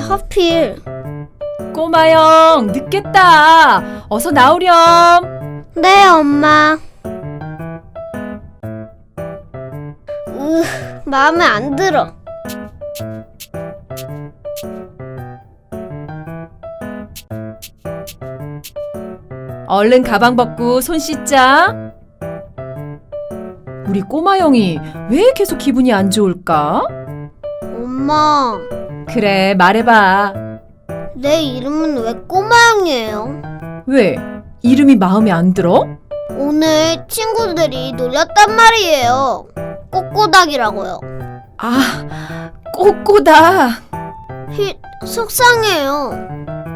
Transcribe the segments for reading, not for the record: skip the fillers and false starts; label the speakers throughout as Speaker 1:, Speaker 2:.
Speaker 1: 하필?
Speaker 2: 꼬마 형, 늦겠다. 어서 나오렴.
Speaker 1: 네, 엄마. 마음에 안 들어.
Speaker 2: 얼른 가방 벗고 손 씻자. 우리 꼬마 형이 왜 계속 기분이 안 좋을까?
Speaker 1: 엄마,
Speaker 2: 그래, 말해봐.
Speaker 1: 내 이름은 왜 꼬마형이에요?
Speaker 2: 왜? 이름이 마음에 안 들어?
Speaker 1: 오늘 친구들이 놀렸단 말이에요. 꼬꼬닥이라고요.
Speaker 2: 아, 꼬꼬다.
Speaker 1: 속상해요.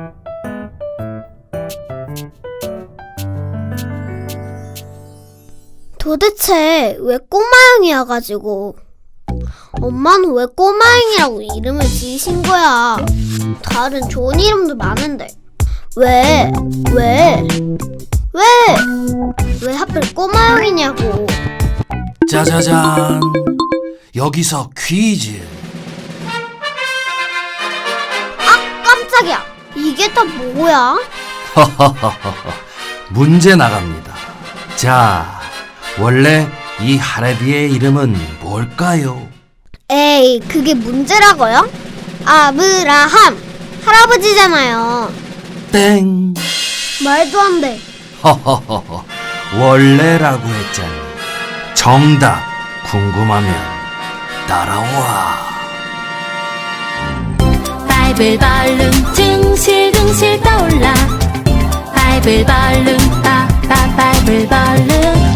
Speaker 1: 도대체 왜 꼬마형이어가지고 엄마는 왜 꼬마형이라고 이름을 지으신 거야? 다른 좋은 이름도 많은데 왜 하필 꼬마형이냐고.
Speaker 3: 짜자잔, 여기서 퀴즈.
Speaker 1: 깜짝이야, 이게 다 뭐야?
Speaker 3: 문제 나갑니다. 자, 원래 이 할애비의 이름은 뭘까요?
Speaker 1: 에이, 그게 문제라고요? 아브라함 할아버지잖아요.
Speaker 3: 땡.
Speaker 1: 말도 안 돼.
Speaker 3: 허허허허, 원래라고 했잖니. 정답 궁금하면 따라와.
Speaker 4: 바이블 벌룬 둥실둥실 떠올라. 바이블 벌룬 빠빠 바이블 벌룬.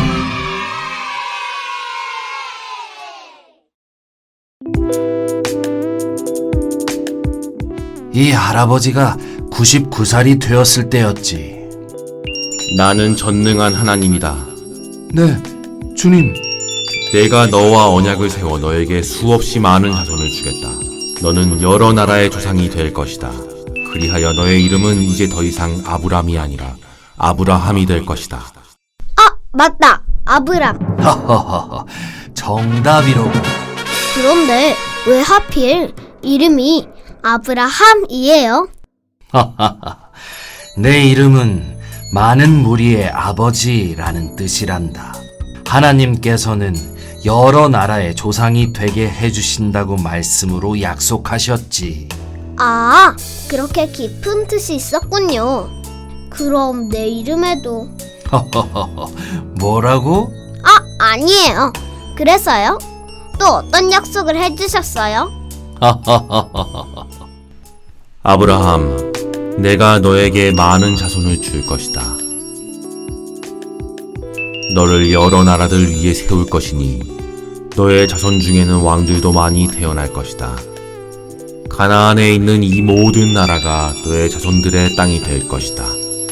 Speaker 3: 이 할아버지가 99살이 되었을 때였지.
Speaker 5: 나는 전능한 하나님이다.
Speaker 3: 네, 주님.
Speaker 5: 내가 너와 언약을 세워 너에게 수없이 많은 자손을 주겠다. 너는 여러 나라의 조상이 될 것이다. 그리하여 너의 이름은 이제 더 이상 아브람이 아니라 아브라함이 될 것이다.
Speaker 1: 맞다, 아브람.
Speaker 3: 허허허허, 정답이로고.
Speaker 1: 그런데 왜 하필 이름이 아브라함이에요?
Speaker 3: 내 이름은 많은 무리의 아버지라는 뜻이란다. 하나님께서는 여러 나라의 조상이 되게 해주신다고 말씀으로 약속하셨지.
Speaker 1: 아, 그렇게 깊은 뜻이 있었군요. 그럼 내 이름에도.
Speaker 3: 뭐라고?
Speaker 1: 아니에요. 그래서요? 또 어떤 약속을 해주셨어요?
Speaker 5: 아브라함, 내가 너에게 많은 자손을 줄 것이다. 너를 여러 나라들 위에 세울 것이니 너의 자손 중에는 왕들도 많이 태어날 것이다. 가나안에 있는 이 모든 나라가 너의 자손들의 땅이 될 것이다.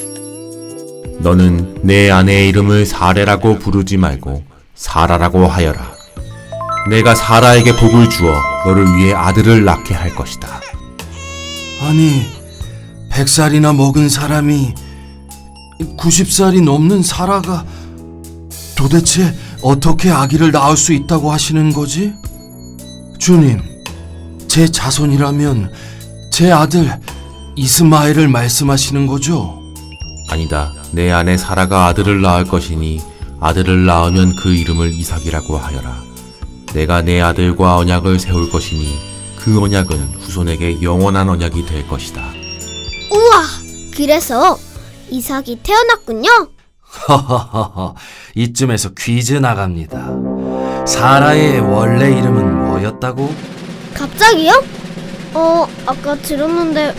Speaker 5: 너는 내 아내의 이름을 사레라고 부르지 말고 사라라고 하여라. 내가 사라에게 복을 주어 너를 위해 아들을 낳게 할 것이다.
Speaker 3: 아니, 100살이나 먹은 사람이 90살이 넘는 사라가 도대체 어떻게 아기를 낳을 수 있다고 하시는 거지? 주님, 제 자손이라면 제 아들 이스마엘을 말씀하시는 거죠?
Speaker 5: 아니다. 내 아내 사라가 아들을 낳을 것이니 아들을 낳으면 그 이름을 이삭이라고 하여라. 내가 내 아들과 언약을 세울 것이니 그 언약은 후손에게 영원한 언약이 될 것이다.
Speaker 1: 우와, 그래서 이삭이 태어났군요.
Speaker 3: 허허허허, 이쯤에서 퀴즈 나갑니다. 사라의 원래 이름은 뭐였다고?
Speaker 1: 갑자기요? 아까 들었는데,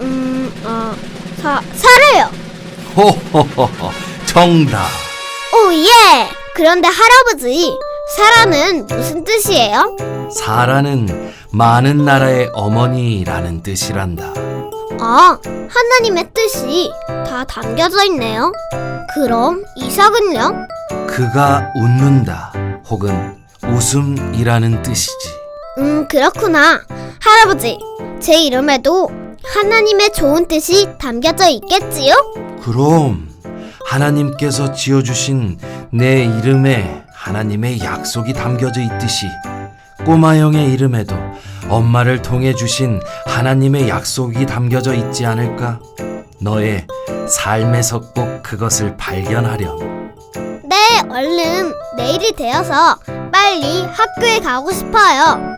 Speaker 1: 사래요.
Speaker 3: 호호호호, 정답.
Speaker 1: 오, 예! 그런데 할아버지, 사라는 무슨 뜻이에요?
Speaker 3: 사라는 많은 나라의 어머니라는 뜻이란다.
Speaker 1: 아, 하나님의 뜻이 다 담겨져 있네요. 그럼 이삭은요?
Speaker 3: 그가 웃는다 혹은 웃음이라는 뜻이지.
Speaker 1: 그렇구나. 할아버지, 제 이름에도 하나님의 좋은 뜻이 담겨져 있겠지요?
Speaker 3: 그럼 하나님께서 지어주신 내 이름에 하나님의 약속이 담겨져 있듯이 꼬마 형의 이름에도 엄마를 통해 주신 하나님의 약속이 담겨져 있지 않을까? 너의 삶에서 꼭 그것을 발견하렴.
Speaker 1: 네, 얼른 내일이 되어서 빨리 학교에 가고 싶어요.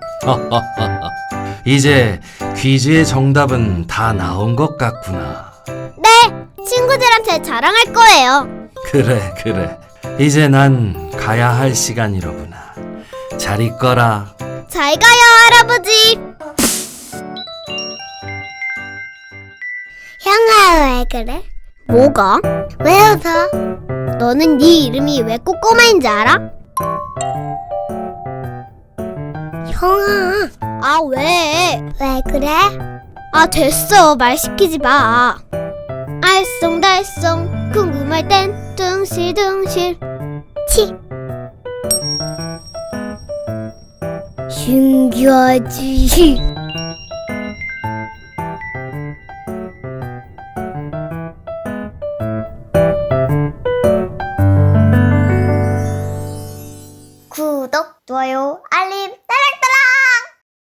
Speaker 3: 이제 퀴즈의 정답은 다 나온 것 같구나.
Speaker 1: 네, 친구들한테 자랑할 거예요.
Speaker 3: 그래. 이제 난 가야 할 시간이로구나. 잘 있거라.
Speaker 1: 잘 가요, 할아버지. 형아, 왜 그래? 뭐가? 왜 웃어? 너는 네 이름이 왜 꼬꼬마인지 알아? 형아. 아, 왜? 왜 그래? 아, 됐어. 말 시키지 마. 알쏭달쏭 궁금할 땐 둥실둥실 치. 신기하지. 구독, 좋아요,